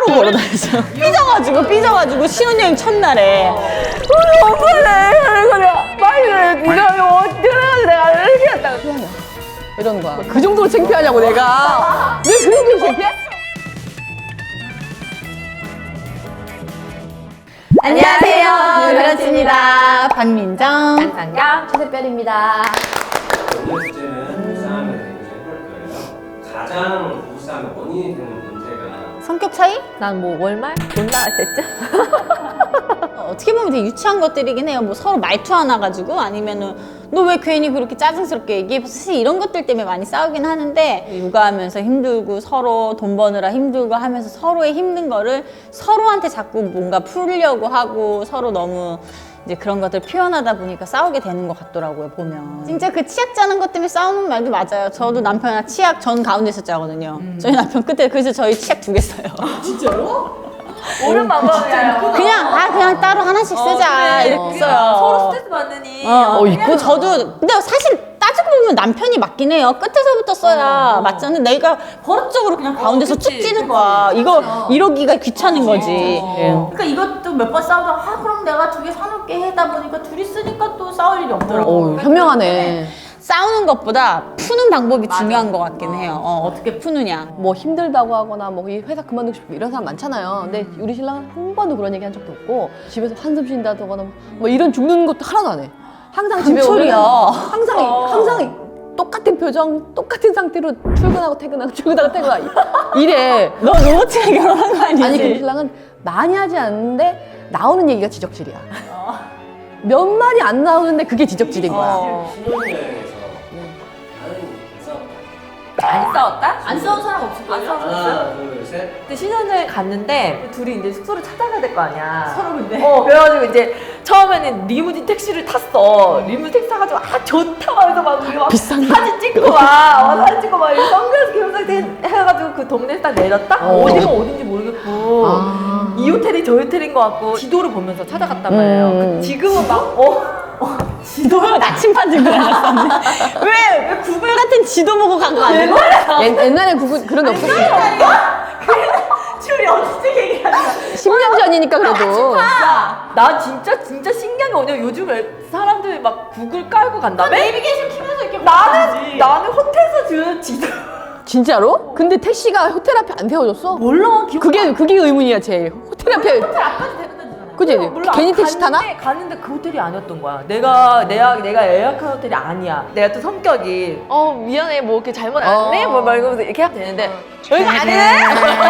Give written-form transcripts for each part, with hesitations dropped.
걸어다녔어요. 삐져가지고 신혼여행 첫날에 엄마네 빨리 네가 어떻게 내가 이렇게 했다가 이러는 거야. 그 정도로 창피하냐고 내가. 왜 그 정도로 창피해? 안녕하세요, 유라치입니다. 박민정, 안상경, 최세별입니다. 오늘 주제는 부부싸움에 대해서 해볼 거예요. 가장 부부싸움의 원인이 되는 문제가 성격 차이? 난 뭐 월말? 돈 나갈 때쯤? 어떻게 보면 되게 유치한 것들이긴 해요. 뭐 서로 말투 하나 가지고 아니면은 너 왜 괜히 그렇게 짜증스럽게 얘기해? 사실 이런 것들 때문에 많이 싸우긴 하는데 육아하면서 힘들고 서로 돈 버느라 힘들고 하면서 서로의 힘든 거를 서로한테 자꾸 뭔가 풀려고 하고 서로 너무 이제 그런 것들 표현하다 보니까 싸우게 되는 것 같더라고요, 보면. 진짜 그 치약 짜는 것 때문에 싸우는 말도 맞아요. 저도 남편이랑 치약 전 가운데서 짜거든요. 저희 남편 끝에 그래서 저희 치약 2개 써요. 옳은 방법이에요. 그냥 따로 하나씩 쓰자 이렇게 써요. 서로 스트레스 받느니. 있고 저도 근데 사실 따지고 보면 남편이 맞긴 해요. 끝에서부터 써야 맞잖아. 내가 버릇적으로 그냥 가운데서 툭 찌는 거야. 이거 이러기가 귀찮은 거지. 그러니까 이것도 몇 번 싸우다가 그럼 내가 2개 사놓을게 하다 보니까 둘이 쓰니까 또 싸울 일이 없더라고. 현명하네. 싸우는 것보다 푸는 방법이 중요한 것 같긴 해요. 어떻게 푸느냐. 뭐 힘들다고 하거나 뭐 이 회사 그만두고 싶고 이런 사람 많잖아요. 근데 우리 신랑은 한 번도 그런 얘기 한 적도 없고 집에서 한숨 쉰다거나 뭐 이런 죽는 것도 하나도 안 해. 항상 집에 오면 항상 똑같은 표정, 똑같은 상태로 출근하고 퇴근하고 출근하고 퇴근하고 이래. 너 로봇이랑 결혼한 거 아니지? 아니 그 신랑은 많이 하지 않는데 나오는 얘기가 지적질이야. 몇 마리 안 나오는데 그게 지적질인 거야. 신혼여행에서 안 싸웠다? 안 싸운 사람 없을 안 거예요? 싸웠어요? 하나, 둘, 셋. 근데 신혼여행 갔는데 둘이 이제 숙소를 찾아가야 될 거 아니야. 서로 근데? 그래가지고 이제 처음에는 리무진 택시를 탔어. 리무진 택시 타가지고 좋다 하면서 막 우리 막 비싼 사진 찍고 사진 찍고 막 선글라스 겸상 해가지고 그 동네에 딱 내렸다? 어디가 어딘지 모르겠고 이 호텔이 저 호텔인 것 같고 지도를 보면서 찾아갔단 말이에요. 지금은 막 지도가 나침반 들고 다녔었네. 왜 구글 같은 지도 보고 간 거 아니야? 옛날에 그런 게 없었으니까. 줄이 어떻게 얘기하는 거야? 10년 전이니까 그래도. 나 진짜 신기한 게 뭐냐면 요즘 사람들이 막 구글 깔고 간다며? 내비게이션 키면서 이렇게 나는 호텔에서 준 지도 진짜로? 근데 택시가 호텔 앞에 안 세워줬어? 몰라 기억 그게 의문이야 제일. 호텔 앞에. 호텔 앞까지 데려다 주잖아. 그지? 몰라. 괜히 택시 타나? 갔는데 그 호텔이 아니었던 거야. 내가 예약한 호텔이 아니야. 내가 또 성격이 미안해 뭐 이렇게 잘못 안 했네 뭐 말면서 이렇게 하면 되는데 여기가 아니네.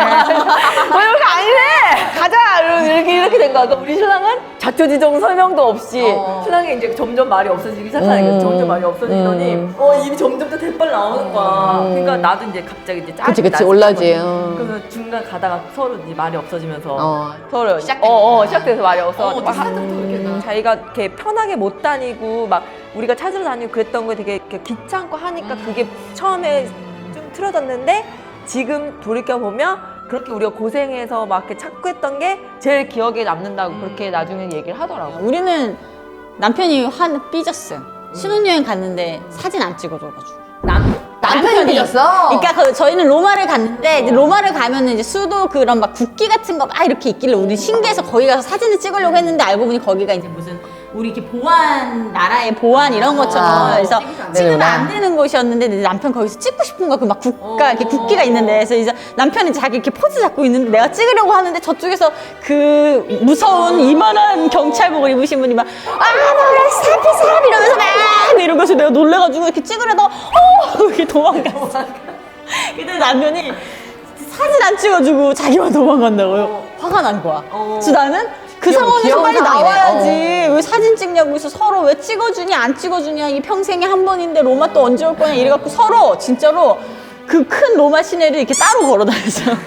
여기가 아니네. 가자. 이렇게 된 거야. 그러니까 우리 신랑은 자초지종 설명도 없이 신랑이 이제 점점 말이 없어지기 시작하는 거야. 점점 말이 없어지더니 입이 점점 더 대빨 나오는 거야. 그러니까 나도 이제 갑자기 이제 짜증이 그치 나기 올라지. 시작하거든. 그래서 중간 가다가 서로 이제 말이 없어지면서 서로 시작돼서 말이 없어. 자기가 이렇게 편하게 못 다니고 막 우리가 찾으러 다니고 그랬던 거 되게 이렇게 귀찮고 하니까 그게 처음에 좀 틀어졌는데 지금 돌이켜 보면 그렇게 우리가 고생해서 막 이렇게 찾고 했던 게 제일 기억에 남는다고 그렇게 나중에 얘기를 하더라고. 우리는 남편이 삐졌어요. 신혼여행 갔는데 사진 안 찍어줘가지고. 남편이 삐졌어? 그러니까 저희는 로마를 갔는데 이제 로마를 가면은 이제 수도 그런 막 국기 같은 거 막 이렇게 있길래 우리 신기해서 거기 가서 사진을 찍으려고 했는데 알고 보니 거기가 이제 무슨 우리 이렇게 보안 나라의 보안 이런 것처럼 그래서 찍으면 안 되는 곳이었는데 내 남편 거기서 찍고 싶은 거 그 막 국가 이렇게 국기가 있는데 그래서 이제 남편이 자기 이렇게 포즈 잡고 있는데 내가 찍으려고 하는데 저쪽에서 그 무서운 이만한 경찰복을 입으신 분이 막 뭐라 스탑 이러면서 막 이런 거서 내가 놀래가지고 이렇게 찍으려다가 이렇게 도망갔어. 근데 남편이 사진 안 찍어주고 자기만 도망간다고요. 화가 난 거야. 그래서 나는 그 상황에서 빨리 나와야지. 왜 사진 찍냐고 해서 서로 왜 찍어주냐 안 찍어주냐 이 평생에 한 번인데 로마 또 언제 올 거냐 이래갖고 서로 진짜로 그 큰 로마 시내를 이렇게 따로 걸어 다녔어요.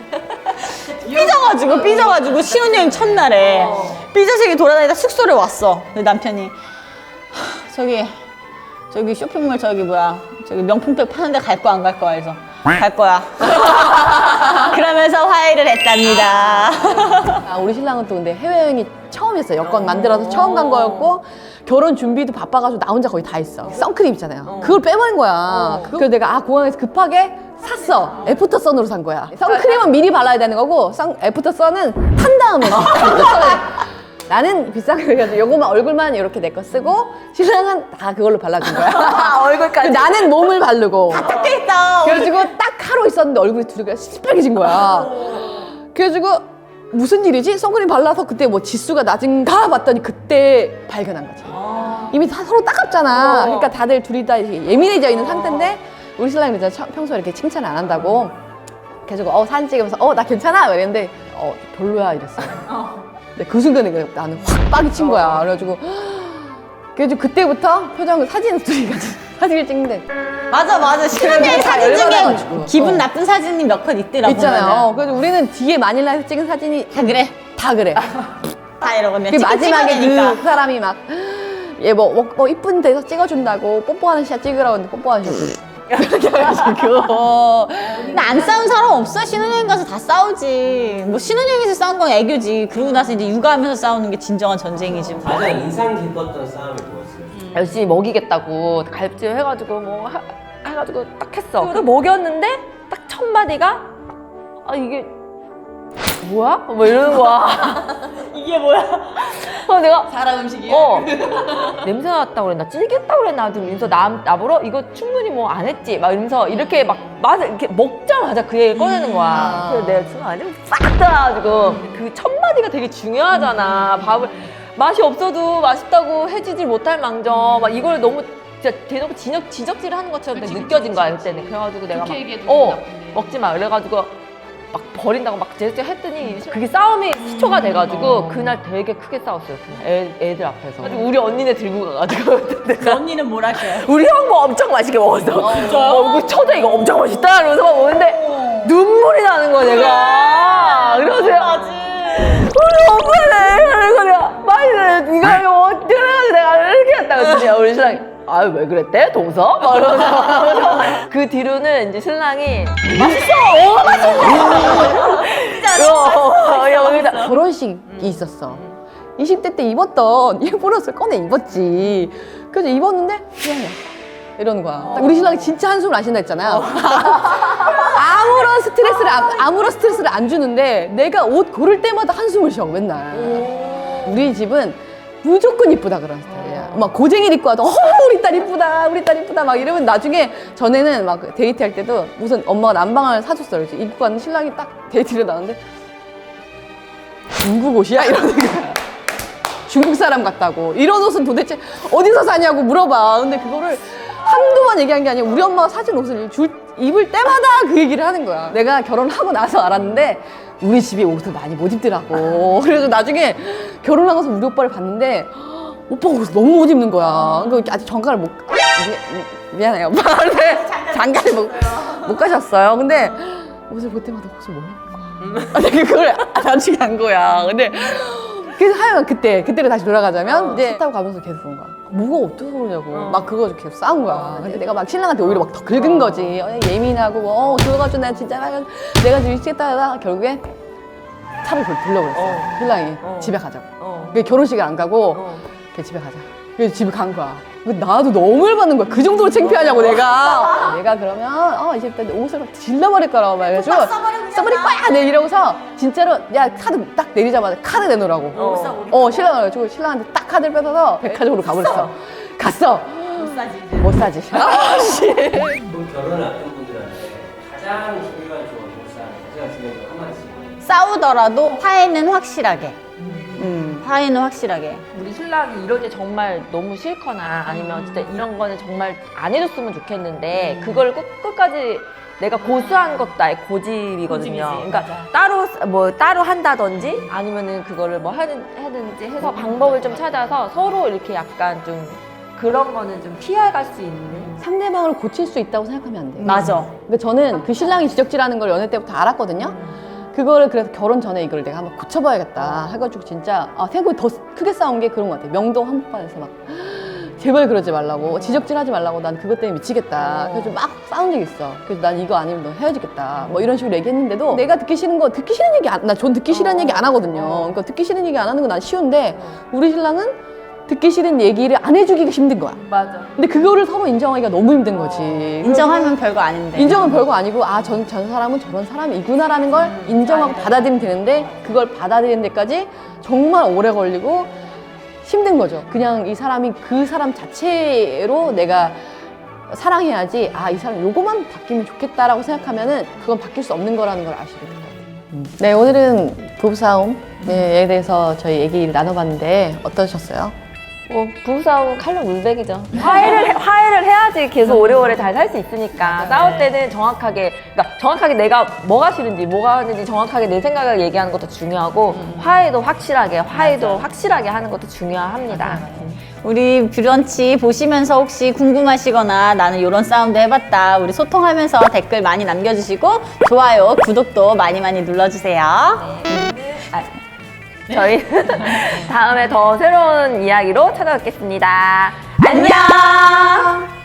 삐져가지고 신혼여행 첫날에 삐져서 이렇게 돌아다니다 숙소를 왔어. 남편이 저기 쇼핑몰 저기 명품백 파는데 갈 거 안 갈 거야 해서 갈 거야. 그러면서 화해를 했답니다. 우리 신랑은 또 근데 해외여행이 처음이었어요. 여권 만들어서 처음 간 거였고 결혼 준비도 바빠가지고 나 혼자 거의 다 했어. 선크림 있잖아요. 그걸 빼버린 거야. 그래서 내가 공항에서 급하게 샀어. 애프터 선으로 산 거야. 선크림은 미리 발라야 되는 거고 애프터 선은 탄 다음에 나는 비싼 거 해가지고 요거만 얼굴만 이렇게 내 거 쓰고 신랑은 다 그걸로 발라준 거야. 얼굴까지. 나는 몸을 바르고 좋겠다. 그래가지고 딱 하루 있었는데 얼굴이 둘이 시뻘개진 거야. 그래가지고 무슨 일이지? 선크림 발라서 그때 뭐 지수가 낮은가 봤더니 그때 발견한 거지. 이미 다 서로 따갑잖아. 그러니까 다들 둘이 다 이렇게 예민해져 있는 상태인데 우리 신랑이 이제 평소에 이렇게 칭찬을 안 한다고 그래가지고 사진 찍으면서 나 괜찮아? 이랬는데 별로야 이랬어요. 근데 그 순간에 나는 확 빡이 친 거야. 그래가지고 그때부터 사진을 둘이 같이 사진을 찍는데 맞아. 신혼여행 다 사진 중에 열받아가지고. 기분 나쁜 사진이 몇 컷 있더라고. 있잖아요. 그래서 우리는 뒤에 마닐라에서 찍은 사진이 다 그래. 다 그래. 다 이러고 그 마지막에 그 사람이 막 얘 뭐 이쁜 데서 찍어준다고 뽀뽀하는 샷 찍으라고 했는데 뽀뽀하는 샷 그렇게 해가지고 근데 안 싸운 사람 없어? 신혼여행 가서 다 싸우지. 뭐 신혼여행에서 싸운 건 애교지. 그러고 나서 이제 육아하면서 싸우는 게 진정한 전쟁이지. 뭐. 가장 인상 깊었던 싸움이 뭐였어요? 열심히 먹이겠다고 갈비찜 해가지고 해가지고 딱 했어. 그 먹였는데 딱 첫 마디가 이게 뭐야? 뭐 이러는 거야. 이게 뭐야? 내가 사람 음식이야? 냄새 났다고 그랬나? 찌겠다고 그랬나? 이러면서 나보러 이거 충분히 뭐 안 했지? 막 이러면서 이렇게 막 맛을 이렇게 먹자마자 그 얘기를 꺼내는 거야. 그래서 내가 지금 아니면 싹 따가지고 그 첫 마디가 되게 중요하잖아. 밥을 맛이 없어도 맛있다고 해주질 못할 망정 막 이걸 너무 진짜 대놓고 지적질을 하는 것처럼 느껴진 거야 그때는. 그래가지고 내가 막 먹지 마 그래가지고 막 버린다고 막 제스처 했더니 그게 싸움이 시초가 돼가지고 그날 되게 크게 싸웠어요. 그날 애들 앞에서. 우리 언니네 들고 가가지고 그 언니는 뭘 하셔요? 우리 형 뭐 엄청 맛있게 먹었어. 이거 쳐져 이거 엄청 맛있다 이러면서 막 먹는데 눈물이 나는 거야 내가. 그러세요. 우리 오빠네. 그래서 내가 맛있네. 이거 어떻게 해가지고 내가 이렇게 했다 그랬더니 우리 신랑이 왜 그랬대? 동서? 막 이러면서 그 뒤로는 이제 신랑이 맛있어! 맛있어! 결혼식이 있었어. 20대 때 입었던 예쁜 옷을 꺼내 입었지. 그래서 입었는데 미안해 이러는 거야. 우리 신랑이 진짜 한숨을 안 쉰다 했잖아요. 아무런 스트레스를 안 주는데 내가 옷 고를 때마다 한숨을 쉬어 맨날. 우리 집은 무조건 이쁘다 그런 스타일이야. 막 고쟁이를 입고 와도 우리 딸 이쁘다 막 이러면 나중에 전에는 막 데이트할 때도 무슨 엄마가 난방을 사줬어. 그래서 입고 왔는 신랑이 딱 데이트를 나왔는데 중국 옷이야? 이러는 거야. 중국 사람 같다고. 이런 옷은 도대체 어디서 사냐고 물어봐. 근데 그거를 한두 번 얘기한 게 아니라 우리 엄마가 사준 옷을 입을 때마다 그 얘기를 하는 거야. 내가 결혼하고 나서 알았는데 우리 집이 옷을 많이 못 입더라고. 그래서 나중에 결혼하고서 우리 오빠를 봤는데 오빠가 옷을 너무 못 입는 거야. 그러니까 아직 장가를 미안해요 오빠. 근데 장가를 못 가셨어요. 근데 옷을 볼 때마다 옷을 못 입는 거야. 아니 그걸 나중에 한 거야. 근데 그래서 하여간 그때를 다시 돌아가자면 이제 차 타고 가면서 계속 그런 거야. 뭐가 어때서 그러냐고. 막 그거 계속 싸운 거야. 근데 내가 막 신랑한테 오히려 막 더 긁은 거지. 예민하고 그래가지고 내가 진짜 내가 지금 미치겠다 하다가 결국에 차를 돌려버렸어. 신랑이 집에 가자고. 그게 결혼식을 안 가고 그냥 집에 가자. 그래서 집에 간 거야. 나도 너무 열받는 거야. 그 정도로 창피하냐고 내가. 내가 그러면 이제 옷을 막 질러버릴 거라고 말해가지고 써버릴 거야. 내 이러고서 진짜로 야 카드 딱 내리자마자 카드 내놓으라고. 신랑을 해가지고 신랑한테 딱 카드를 뺏어서 백화점으로 가버렸어. 갔어. 못 사지. 그 결혼을 앞둔 분들한테 가장 중요한 조언, 가장 중요한 거 한마디씩. 싸우더라도 화해는 확실하게. 화해는 확실하게. 우리 신랑이 이럴 때 정말 너무 싫거나 아니면 진짜 이런 거는 정말 안 해줬으면 좋겠는데 그걸 끝까지 내가 고수한 것도 나의 고집이거든요. 그러니까 따로 한다든지 아니면은 그거를 뭐 하든지 해서 방법을 좀 찾아서 서로 이렇게 약간 좀 그런 거는 좀 피해갈 수 있는. 상대방을 고칠 수 있다고 생각하면 안 돼. 맞아. 그러니까 저는 그 신랑이 지적질하는 걸 연애 때부터 알았거든요. 그거를 그래서 결혼 전에 이걸 내가 한번 고쳐봐야겠다 해가지고 진짜 생각보다 더 크게 싸운 게 그런 것 같아. 명동 한복판에서 막 제발 그러지 말라고, 지적질하지 말라고, 난 그것 때문에 미치겠다. 그래서 막 싸운 적이 있어. 그래서 난 이거 아니면 너 헤어지겠다 뭐 이런 식으로 얘기했는데도 내가 듣기 싫은 얘기 전 듣기 싫은 얘기 안 하거든요. 그러니까 듣기 싫은 얘기 안 하는 건 난 쉬운데 우리 신랑은 듣기 싫은 얘기를 안 해주기가 힘든 거야. 맞아. 근데 그거를 서로 인정하기가 너무 힘든 거지. 인정하면 별거 아닌데. 인정은 별거 아니고 전 사람은 저런 사람이구나라는 걸 인정하고 받아들이면 되는데 그걸 받아들이는 데까지 정말 오래 걸리고 힘든 거죠. 그냥 이 사람이 그 사람 자체로 내가 사랑해야지 이 사람 요거만 바뀌면 좋겠다라고 생각하면은 그건 바뀔 수 없는 거라는 걸 아시게 될 것 같아요. 네, 오늘은 부부싸움에 대해서 저희 얘기를 나눠봤는데 어떠셨어요? 뭐 부부싸움 칼로 물베기죠. 화해를 해야지 계속 오래오래 잘 살 수 있으니까. 싸울 때는 정확하게, 그러니까 정확하게 내가 뭐가 싫은지 뭐가 하는지 정확하게 내 생각을 얘기하는 것도 중요하고 화해도 확실하게 하는 것도 중요합니다. 우리 브런치 보시면서 혹시 궁금하시거나 나는 이런 싸움도 해봤다. 우리 소통하면서 댓글 많이 남겨주시고 좋아요, 구독도 많이 눌러주세요. 저희 다음에 더 새로운 이야기로 찾아뵙겠습니다. 안녕!